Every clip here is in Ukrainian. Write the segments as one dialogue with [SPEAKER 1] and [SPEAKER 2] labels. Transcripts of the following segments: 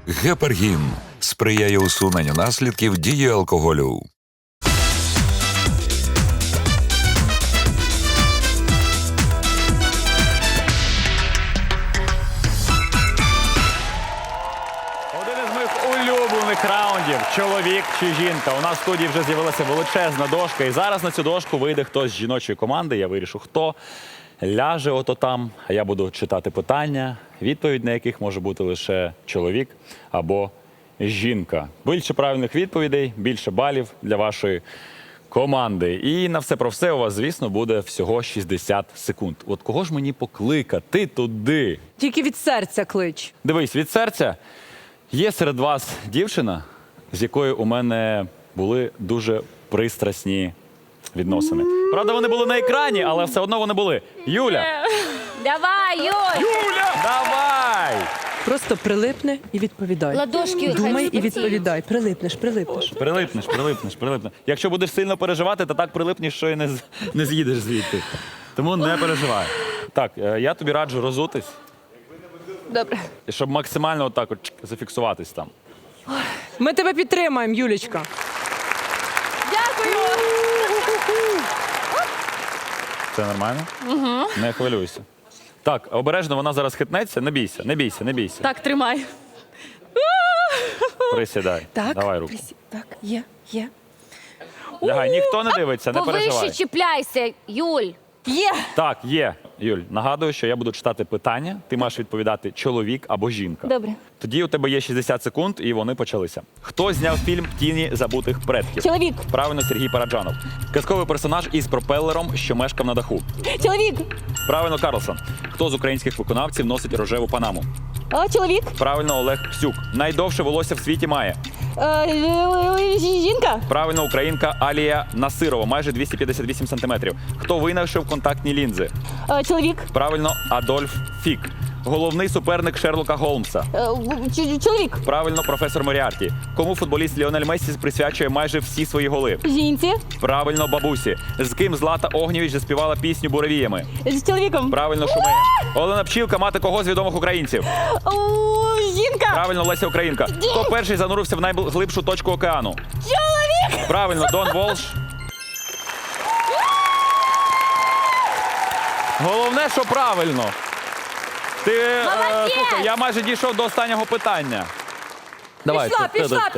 [SPEAKER 1] Гепаргін сприяє усуненню наслідків дії алкоголю.
[SPEAKER 2] Один із моїх улюблених раундів «Чоловік чи жінка». У нас в студії вже з'явилася величезна дошка, і зараз на цю дошку вийде хтось з жіночої команди. Я вирішу, хто ляже ото там, а я буду читати питання, відповідь на яких може бути лише чоловік або жінка. Більше правильних відповідей, більше балів для вашої команди. І на все про все у вас, звісно, буде всього 60 секунд. От кого ж мені покликати туди?
[SPEAKER 3] Тільки від серця клич.
[SPEAKER 2] Дивись, від серця. Є серед вас дівчина, з якою у мене були дуже пристрасні відносини. Правда, вони були на екрані, але все одно вони були. Юля!
[SPEAKER 4] Давай, Юль!
[SPEAKER 2] Юля! Давай!
[SPEAKER 3] Просто прилипни і відповідай.
[SPEAKER 4] Ладошки
[SPEAKER 3] Думай і
[SPEAKER 4] хай
[SPEAKER 3] відповідай. Прилипнеш.
[SPEAKER 2] Прилипнеш. Якщо будеш сильно переживати, то так прилипнеш, що і не з'їдеш звідти. Тому не переживай. Так, я тобі раджу розутись,
[SPEAKER 4] Добре.
[SPEAKER 2] щоб максимально отак от зафіксуватись там.
[SPEAKER 3] Ми тебе підтримаємо, Юлічка.
[SPEAKER 4] Дякую.
[SPEAKER 2] Це нормально? Угу. Не хвилюйся. Так, обережно, вона зараз хитнеться. Не бійся.
[SPEAKER 4] Так, тримай.
[SPEAKER 2] Присідай.
[SPEAKER 3] Так,
[SPEAKER 2] Давай руку.
[SPEAKER 3] Так, є.
[SPEAKER 2] Лягай, ніхто не дивиться, не переживай.
[SPEAKER 4] Повище чіпляйся, Юль.
[SPEAKER 3] Є.
[SPEAKER 2] Так, є. Юль, нагадую, що я буду читати питання. Ти маєш відповідати чоловік або жінка.
[SPEAKER 4] Добре.
[SPEAKER 2] Тоді у тебе є 60 секунд, і вони почалися. Хто зняв фільм «Тіні забутих предків»?
[SPEAKER 4] Чоловік.
[SPEAKER 2] Правильно, Сергій Параджанов. Казковий персонаж із пропелером, що мешкав на даху.
[SPEAKER 4] Чоловік.
[SPEAKER 2] Правильно, Карлсон. Хто з українських виконавців носить рожеву панаму?
[SPEAKER 4] Чоловік.
[SPEAKER 2] Правильно, Олег Псюк. Найдовше волосся в світі має.
[SPEAKER 4] Жінка.
[SPEAKER 2] Правильно, українка Алія Насирова, майже 258 сантиметрів. Хто винайшов контактні лінзи?
[SPEAKER 4] Чоловік.
[SPEAKER 2] Правильно, Адольф Фік. Головний суперник Шерлока Голмса.
[SPEAKER 4] Чоловік.
[SPEAKER 2] Правильно, професор Моріарті. Кому футболіст Ліонель Мессі присвячує майже всі свої голи?
[SPEAKER 4] Жінці.
[SPEAKER 2] Правильно, бабусі. З ким Злата Огнєвіч заспівала пісню «Буревіями»?
[SPEAKER 4] З чоловіком.
[SPEAKER 2] Правильно, Шумея. Олена Пчілка, мати кого з відомих українців?
[SPEAKER 4] Жінка.
[SPEAKER 2] Правильно, Леся Українка. Хто перший занурився в найглибшу точку океану?
[SPEAKER 4] Чоловік.
[SPEAKER 2] Правильно, Дон Волш. Головне, що правильно. Ти, слухай, я майже дійшов до останнього питання. Давай.
[SPEAKER 3] Пішла.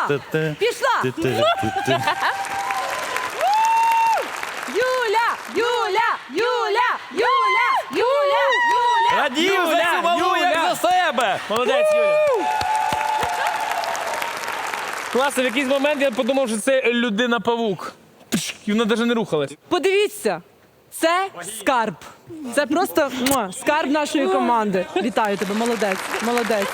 [SPEAKER 3] Юля.
[SPEAKER 2] Радію за цю малу, як за себе.
[SPEAKER 5] Молодець, Юля. Класно, в якийсь момент я подумав, що це людина-павук. І вона навіть не рухалась.
[SPEAKER 3] Подивіться, це скарб. Це просто скарб нашої команди. Вітаю тебе, молодець.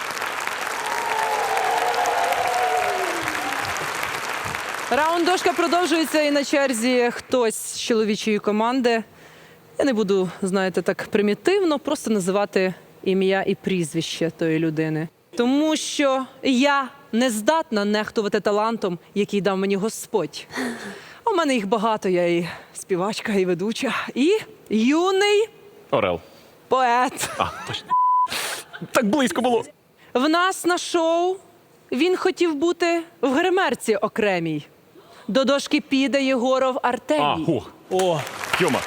[SPEAKER 3] Раунд дошка продовжується, і на черзі хтось з чоловічої команди. Я не буду, знаєте, так примітивно просто називати ім'я і прізвище тої людини. Тому що я не здатна нехтувати талантом, який дав мені Господь. У мене їх багато, я і співачка, і ведуча, і юний
[SPEAKER 2] Орел.
[SPEAKER 3] поет.
[SPEAKER 2] Так близько було.
[SPEAKER 3] В нас на шоу він хотів бути в гримерці окремій. До дошки піде Єгоров Артемій.
[SPEAKER 5] О,
[SPEAKER 2] Тьома.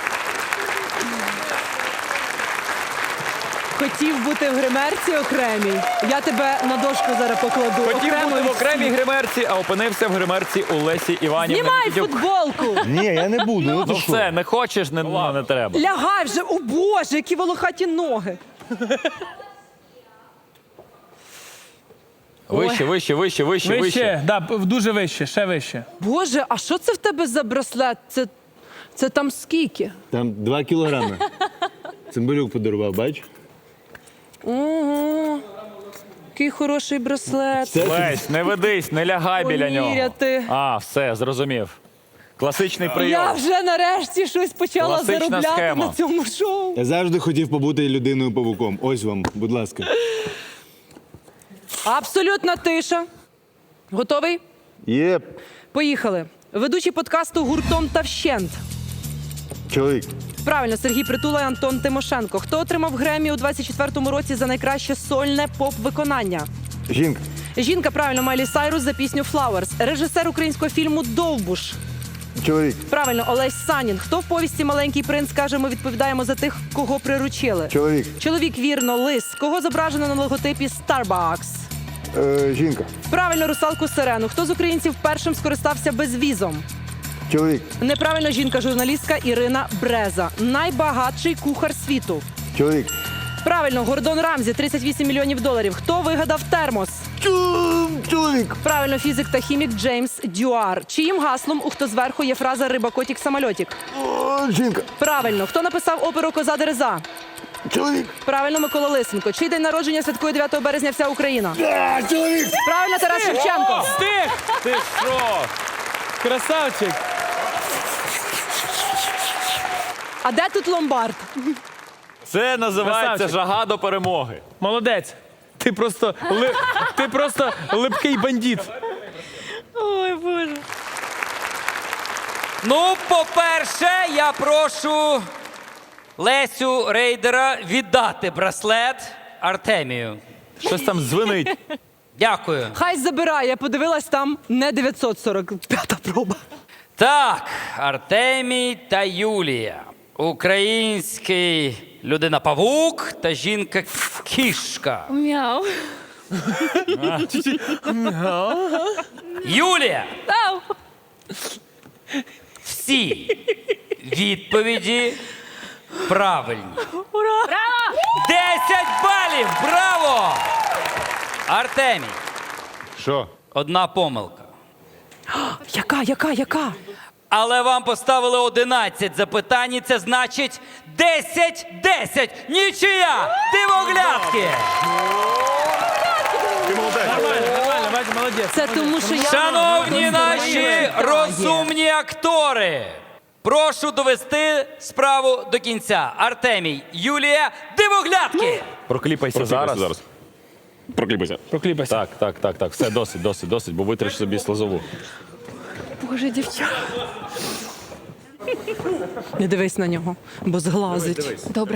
[SPEAKER 3] Хотів бути в гримерці окремій. Я тебе на дошку зараз покладу.
[SPEAKER 2] Хотів
[SPEAKER 3] Окремо
[SPEAKER 2] бути в
[SPEAKER 3] від
[SPEAKER 2] окремій
[SPEAKER 3] всіх.
[SPEAKER 2] гримерці, а опинився в гримерці у Лесі Іванівни.
[SPEAKER 3] Знімай
[SPEAKER 2] Нікітюк.
[SPEAKER 3] футболку!
[SPEAKER 6] Ні, я не буду. Ну,
[SPEAKER 2] Ну
[SPEAKER 6] ти що?
[SPEAKER 2] все, не хочеш, не треба.
[SPEAKER 3] Лягай вже, о Боже, які волохаті ноги.
[SPEAKER 2] Вище.
[SPEAKER 5] вище. Да, дуже вище, ще вище.
[SPEAKER 3] Боже, а що це в тебе за браслет? Це там скільки?
[SPEAKER 6] Там 2 кілограми. Цимбалюк подарував, бач?
[SPEAKER 3] Ого, який хороший браслет.
[SPEAKER 2] Лесь, не ведись, не лягай біля нього.
[SPEAKER 3] Поміряти.
[SPEAKER 2] А, все, зрозумів. Класичний прийом.
[SPEAKER 3] Я вже нарешті щось почала
[SPEAKER 2] Класична
[SPEAKER 3] заробляти
[SPEAKER 2] схема.
[SPEAKER 3] на цьому шоу.
[SPEAKER 6] Я завжди хотів побути людиною-павуком. Ось вам, будь ласка.
[SPEAKER 3] Абсолютна тиша. Готовий?
[SPEAKER 6] Єп.
[SPEAKER 3] Поїхали. Ведучий подкасту «Гуртом та вщент».
[SPEAKER 6] Чоловік.
[SPEAKER 3] Правильно, Сергій Притула і Антон Тимошенко. Хто отримав Греммі у 24-му році за найкраще сольне поп-виконання?
[SPEAKER 6] Жінка.
[SPEAKER 3] Жінка, правильно, Майлі Сайрус за пісню «Flowers». Режисер українського фільму «Довбуш».
[SPEAKER 6] Чоловік.
[SPEAKER 3] Правильно, Олесь Санін. Хто в повісті «Маленький принц» каже, ми відповідаємо за тих, кого приручили?
[SPEAKER 6] Чоловік.
[SPEAKER 3] Чоловік, вірно, лис. Кого зображено на логотипі Starbucks?
[SPEAKER 6] Жінка.
[SPEAKER 3] Правильно, русалку Сирену. Хто з українців першим скористався безвізом?
[SPEAKER 6] Чоловік.
[SPEAKER 3] Неправильно, жінка-журналістка Ірина Бреза. Найбагатший кухар світу.
[SPEAKER 6] Чоловік.
[SPEAKER 3] Правильно, Гордон Рамзі, 38 мільйонів доларів. Хто вигадав термос?
[SPEAKER 6] Чоловік.
[SPEAKER 3] Правильно, фізик та хімік Джеймс Дюар. Чиїм гаслом у «Хто зверху» є фраза «Риба, котик, самольотик»?
[SPEAKER 6] Жінка.
[SPEAKER 3] Правильно. Хто написав оперу «Коза Дереза»?
[SPEAKER 6] Чоловік.
[SPEAKER 3] Правильно, Микола Лисенко. Чий день народження святкує 9 березня вся Україна?
[SPEAKER 6] Чоловік.
[SPEAKER 3] Правильно, Тарас Шевченко.
[SPEAKER 5] Встиг!
[SPEAKER 2] Ти що?
[SPEAKER 5] Красавчик!
[SPEAKER 3] А де тут ломбард?
[SPEAKER 2] Це називається
[SPEAKER 5] Красавчик.
[SPEAKER 2] жага до перемоги.
[SPEAKER 5] Молодець! Ти просто липкий бандит.
[SPEAKER 4] Ой, Боже.
[SPEAKER 7] Ну, по-перше, я прошу Лесю Рейдера віддати браслет Артемію.
[SPEAKER 2] Щось там дзвенить.
[SPEAKER 7] Дякую.
[SPEAKER 3] Хай забирає. Я подивилась, там не 945-та проба.
[SPEAKER 7] Так, Артемій та Юлія. Український людина-павук та жінка-кішка.
[SPEAKER 4] Мяу.
[SPEAKER 7] Юлія!
[SPEAKER 4] Ау.
[SPEAKER 7] Всі відповіді правильні.
[SPEAKER 4] Ура!
[SPEAKER 7] 10 балів! Браво! Артемій,
[SPEAKER 6] Що?
[SPEAKER 7] одна помилка.
[SPEAKER 3] Яка?
[SPEAKER 7] Але вам поставили 11 запитань, і це значить 10-10. Нічия! Дивоглядки!
[SPEAKER 5] Нормально, бачиш, молодець.
[SPEAKER 3] Це тому, що я...
[SPEAKER 7] Шановні наші розумні актори! Прошу довести справу до кінця. Артемій, Юлія, дивоглядки!
[SPEAKER 2] Прокліпайся зараз.
[SPEAKER 8] Прокліпайся.
[SPEAKER 5] Прокліпайся.
[SPEAKER 2] Так. Все, досить, бо витриш собі слезову.
[SPEAKER 3] Боже, дівчата. Не дивись на нього, бо зглазить.
[SPEAKER 4] Добре.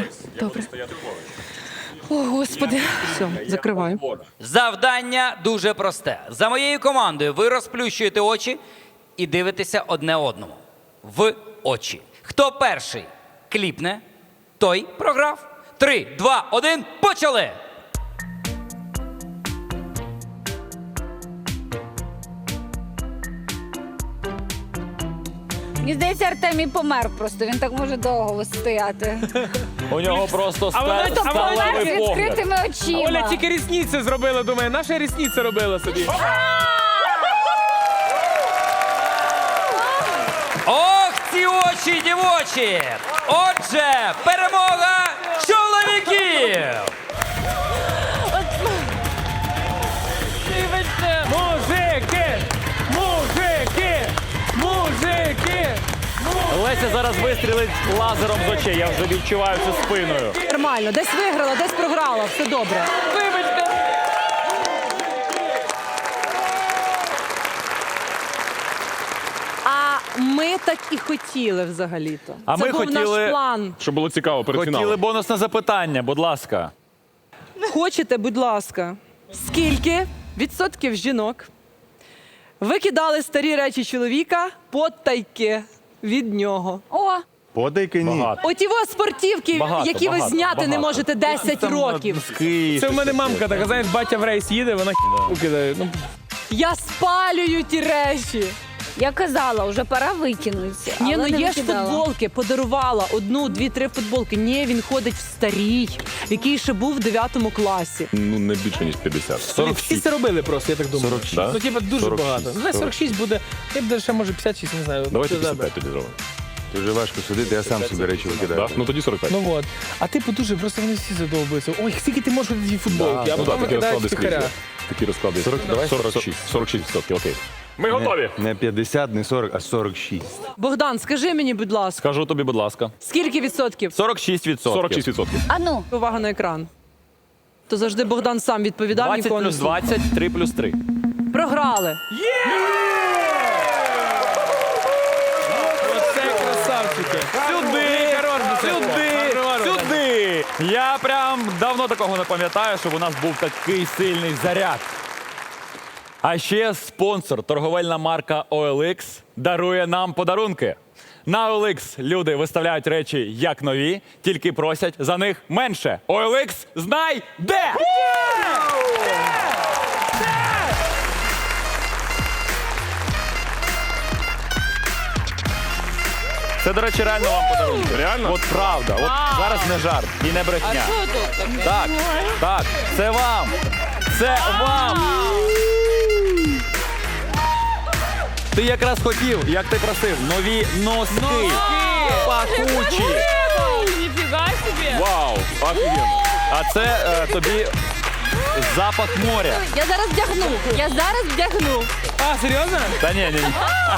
[SPEAKER 4] О, Господи.
[SPEAKER 3] Все, закриваю.
[SPEAKER 7] Завдання дуже просте. За моєю командою ви розплющуєте очі і дивитеся одне одному. В очі. Хто перший кліпне, той програв. 3, 2, 1, почали!
[SPEAKER 4] Мені здається, Артемій помер просто. Він так може довго стояти.
[SPEAKER 2] У нього просто
[SPEAKER 5] А вона-
[SPEAKER 4] Помер
[SPEAKER 2] сталевий
[SPEAKER 4] з
[SPEAKER 2] погляд.
[SPEAKER 4] відкритими очима.
[SPEAKER 5] Оля тільки рісниці зробила, думає, наша рісниця робила собі.
[SPEAKER 7] Ох, ці очі дівочі! Отже, перемога чоловіків!
[SPEAKER 5] Мужики!
[SPEAKER 2] Леся зараз вистрілить лазером з очей. Я вже відчуваю це спиною.
[SPEAKER 3] Нормально, десь виграла, десь програла, все добре.
[SPEAKER 5] Вибачте!
[SPEAKER 3] А ми так і хотіли взагалі-то.
[SPEAKER 2] А
[SPEAKER 3] Це
[SPEAKER 2] ми
[SPEAKER 3] був
[SPEAKER 2] хотіли-
[SPEAKER 3] наш план.
[SPEAKER 8] Щоб було цікаво перед
[SPEAKER 2] Хотіли
[SPEAKER 8] фіналом.
[SPEAKER 2] бонусне запитання, будь ласка.
[SPEAKER 3] Хочете, будь ласка, скільки відсотків жінок викидали старі речі чоловіка потайки від нього?
[SPEAKER 4] О,
[SPEAKER 6] Подайки ні.
[SPEAKER 2] Багато.
[SPEAKER 3] Оті ось спортівки,
[SPEAKER 2] Багато,
[SPEAKER 3] які ви
[SPEAKER 2] багато,
[SPEAKER 3] зняти не
[SPEAKER 2] багато.
[SPEAKER 3] можете 10 років.
[SPEAKER 5] Це в мене мамка така, знаєш, батя в рейс їде, вона кидає. Ну,
[SPEAKER 3] Я спалюю ті речі.
[SPEAKER 4] я казала, вже пора викинути.
[SPEAKER 3] Ні,
[SPEAKER 4] але
[SPEAKER 3] ну
[SPEAKER 4] не
[SPEAKER 3] є ж
[SPEAKER 4] викидала.
[SPEAKER 3] футболки, подарувала 1, 2, 3 футболки. Ні, він ходить в старій, в якій ще був в 9 класі.
[SPEAKER 8] Ну, не більше, ніж 50.
[SPEAKER 5] всі це робили просто, я так думаю.
[SPEAKER 8] 46. Да?
[SPEAKER 5] Ну, типа, дуже
[SPEAKER 8] 46.
[SPEAKER 5] багато. Ну, 46 буде, я б ще може 56, не знаю.
[SPEAKER 8] Давайте
[SPEAKER 5] Це добре.
[SPEAKER 8] 55 тоді зробимо.
[SPEAKER 6] Дуже важко судити, я сам собі речі викидаю.
[SPEAKER 8] Да? Ну тоді 45.
[SPEAKER 5] Ну от. А типу дуже, просто вони всі задовбуються. Ой, скільки ти можеш ходити в футболки, а
[SPEAKER 8] Ну
[SPEAKER 5] потім
[SPEAKER 8] так, такі
[SPEAKER 5] викидають
[SPEAKER 8] розклади
[SPEAKER 5] втихаря.
[SPEAKER 8] скрізь. Такі розклади.
[SPEAKER 6] давай
[SPEAKER 8] 46. 46%, окей. Ми готові.
[SPEAKER 6] Не 50, не 40, а 46.
[SPEAKER 3] Богдан, скажи мені, будь ласка,
[SPEAKER 2] Скажу тобі, будь ласка.
[SPEAKER 3] скільки відсотків?
[SPEAKER 2] 46%.
[SPEAKER 8] 46%.
[SPEAKER 4] А ну,
[SPEAKER 3] Увага на екран. То завжди Богдан сам відповідав,
[SPEAKER 2] 20
[SPEAKER 3] нікого не
[SPEAKER 2] плюс
[SPEAKER 3] слухав.
[SPEAKER 2] 20, 3 плюс 3.
[SPEAKER 3] Програли.
[SPEAKER 5] Оце красавчики.
[SPEAKER 2] Сюди!
[SPEAKER 5] Хорош,
[SPEAKER 2] Сюди! Сюди! Я прям давно такого не пам'ятаю, щоб у нас був такий сильний заряд. А ще спонсор, торговельна марка OLX, дарує нам подарунки. На OLX люди виставляють речі як нові, тільки просять за них менше. OLX знай де! Це, до речі, реально вам подарунки.
[SPEAKER 8] Реально?
[SPEAKER 2] От правда. От зараз не жарт і не брехня. Так, так, це вам. Це вам. Ти якраз хотів, як ти просив, нові носки. Пахучі.
[SPEAKER 5] Ніфіга собі.
[SPEAKER 8] Вау, офігенно.
[SPEAKER 2] А це тобі запах моря.
[SPEAKER 4] Я зараз вдягну.
[SPEAKER 5] А, серйозно?
[SPEAKER 2] Та ні, ні.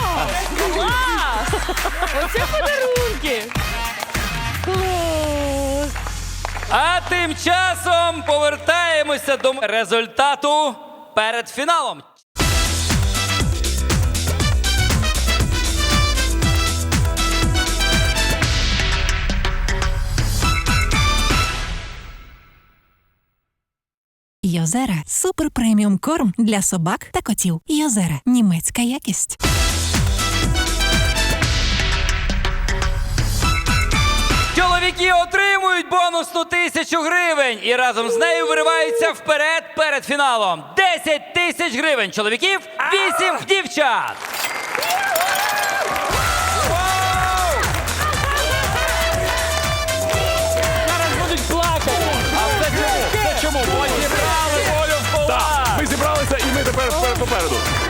[SPEAKER 5] Оце подарунки.
[SPEAKER 7] А тим часом повертаємося до результату перед фіналом.
[SPEAKER 9] Йозера – супер преміум корм для собак та котів. Йозера – німецька якість.
[SPEAKER 7] Чоловіки отримують бонусну 1000 гривень і разом з нею вириваються вперед перед фіналом. 10 тисяч гривень чоловіків, 8 дівчат.
[SPEAKER 5] Зараз будуть плакати.
[SPEAKER 2] А це чому? Це чому? Бо зібрали волю в кулак.
[SPEAKER 8] Так, ми зібралися і ми тепер попереду.